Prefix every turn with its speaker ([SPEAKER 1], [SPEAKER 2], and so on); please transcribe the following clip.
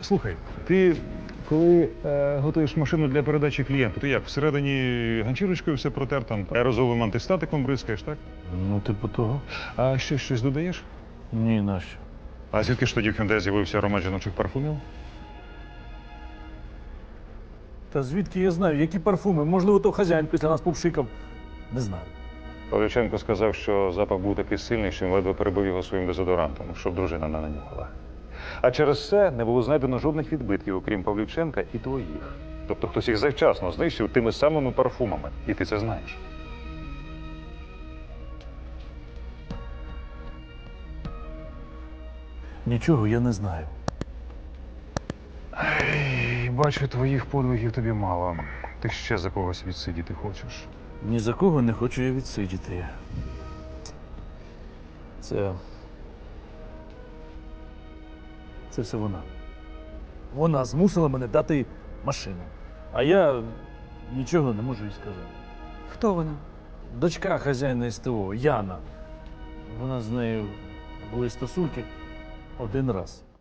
[SPEAKER 1] Слухай, ти коли готуєш машину для передачі клієнту, ти як, всередині ганчірочкою все протер, там аерозоловим антистатиком бризкаєш, так?
[SPEAKER 2] Ну, типу того.
[SPEAKER 1] А ще щось додаєш?
[SPEAKER 2] Ні, нащо?
[SPEAKER 1] А звідки ж тоді в Hyundai з'явився аромат жіночих парфумів?
[SPEAKER 2] Та звідки я знаю, які парфуми? Можливо, то хазяїн після нас попшикав. Не знаю.
[SPEAKER 1] Павлюченко сказав, що запах був такий сильний, що він ледве перебив його своїм дезодорантом, щоб дружина не нанюхала. А через це не було знайдено жодних відбитків, окрім Павлюченка і твоїх. Тобто хтось їх завчасно знищив тими самими парфумами. І ти це знаєш.
[SPEAKER 2] Нічого я не знаю.
[SPEAKER 1] Ей, бачу, твоїх подвигів тобі мало. Ти ще за когось відсидіти хочеш.
[SPEAKER 2] Ні за кого не хочу я відсидіти. Це все вона. Вона змусила мене дати машину. А я нічого не можу їй сказати.
[SPEAKER 3] Хто вона?
[SPEAKER 2] Дочка хазяїна СТО, Яна. Вона з нею були стосунки один раз.